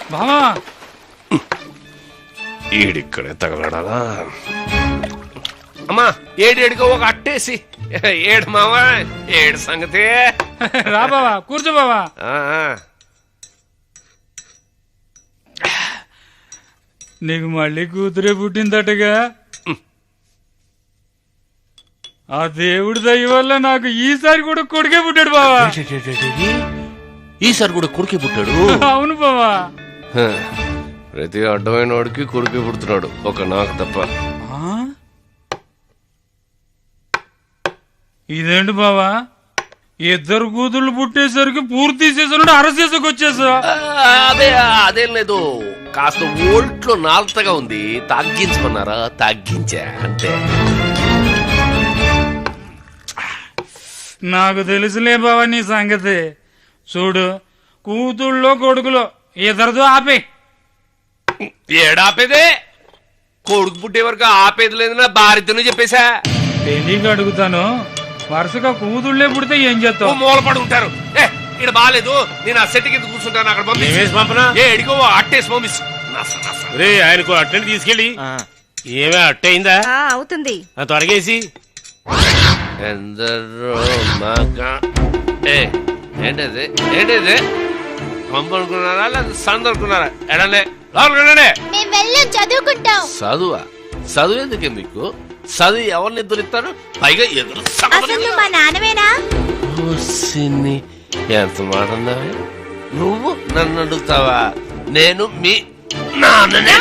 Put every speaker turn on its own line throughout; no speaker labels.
బావా
ఈడిక్కడే తగలడాలా? అమ్మా ఏడేడుగా ఒక అట్టేసి ఏడు మావా ఏడు సంగతి.
రా బావా కూర్చో బావా. నీకు మళ్ళీ కూతురే పుట్టిందటగా. ఆ దేవుడి దయ వల్ల నాకు ఈసారి కూడా కొడుకే పుట్టాడు బావా.
ఈసారి కూడా కొడుకే పుట్టాడు?
అవును బావా.
ప్రతి అడ్డమైన వాడికి కొడుకే పుడుతున్నాడు, ఒక నాకు తప్ప.
ఇదేంటి బావా, ఇద్దరు కూతుళ్ళు పుట్టేసరికి పూర్తి తీసేసాడు, అరెస్ట్ చేసుకొచ్చేసా.
అదేం లేదు, కాస్త ఓల్ట్లో నాల్తగా ఉంది, తగ్గించమన్నారా తగ్గించా అంతే.
నాకు తెలుసులే బావా నీ సంగతి. చూడు, కూతుళ్ళో కొడుకులో ఇద్దరితో ఆపే.
ఏడాపేదే? కొడుకు పుట్టే వరకు ఆపేది లేదు, నా భార్యతోనే చెప్పేశా.
తెలియక అడుగుతాను, వరుసగా కూతుళ్ళే పుడితే ఏం చేస్తావు?
మూలపడి ఉంటారు. ఇక్కడ బాగాలేదు, నేను ఆ సెట్ కింద కూర్చుంటాను, అక్కడ పంపించు. ఎడిగో అట్టేసి పంపిస్తు.
ఆయనకు అట్టని తీసుకెళ్ళి. ఏమే అట్ట అయిందా?
అవుతుంది,
త్వరగేసి.
ఎందరో ఏంటది ఏంటిది? పంపనుకున్నారా లేదా సందనుకున్నారా? ఎడంలే లోపలికి
చదువుకుంటాం.
చదువా? చదువు ఎందుకే మీకు? చదువు ఎవరిని ఎదురుస్తారు? పైగా ఎదురు
మా నాన్నవేనా?
ఎంత మాట అన్నావే? నువ్వు నన్ను అడుగుతావా? నేను మీ నాన్ననే.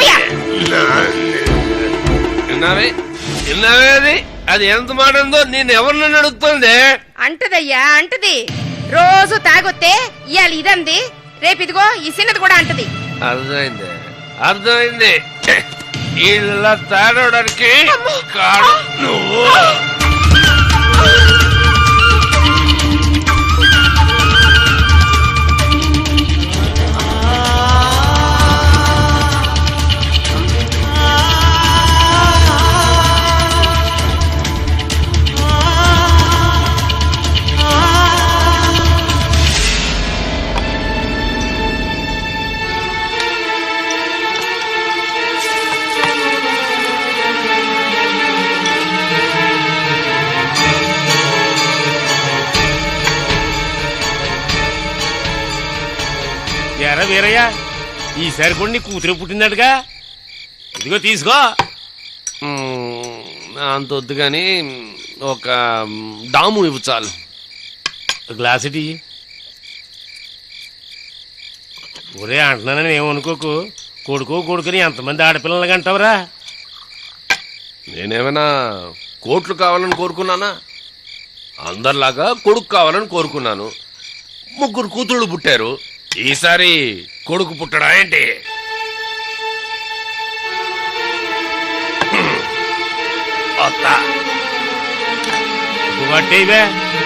విన్నావే అది? అది ఎంత మాట ఉందో, నేను ఎవరు నన్ను అడుగుతుంది?
అంటదయ్యా అంటది. రోజు తాగొత్తే ఇవాళ ఇదంది, రేపు ఇదిగో ఈ చిన్నది కూడా అంటది.
అర్థమైంది అర్థమైంది. ఇలా తాగడానికి నువ్వు.
ఎరా వీరయ్య, ఈసారి కూడా నీ కూతురు పుట్టిందటగా, ఇదిగో తీసుకో.
అంత వద్దు కానీ ఒక డాము ఇవ్వు చాలు.
గ్లాస్ ఇటీ. ఒరే అంటున్నానని ఏమనుకోకు, కొడుకుని ఎంతమంది ఆడపిల్లలు కంటావురా?
నేనేమైనా కోట్లు కావాలని కోరుకున్నానా? అందరిలాగా కొడుకు కావాలని కోరుకున్నాను. 3 కూతుళ్ళు పుట్టారు, ఈసారి కొడుకు పుట్టడా ఏంటి?
నువ్వు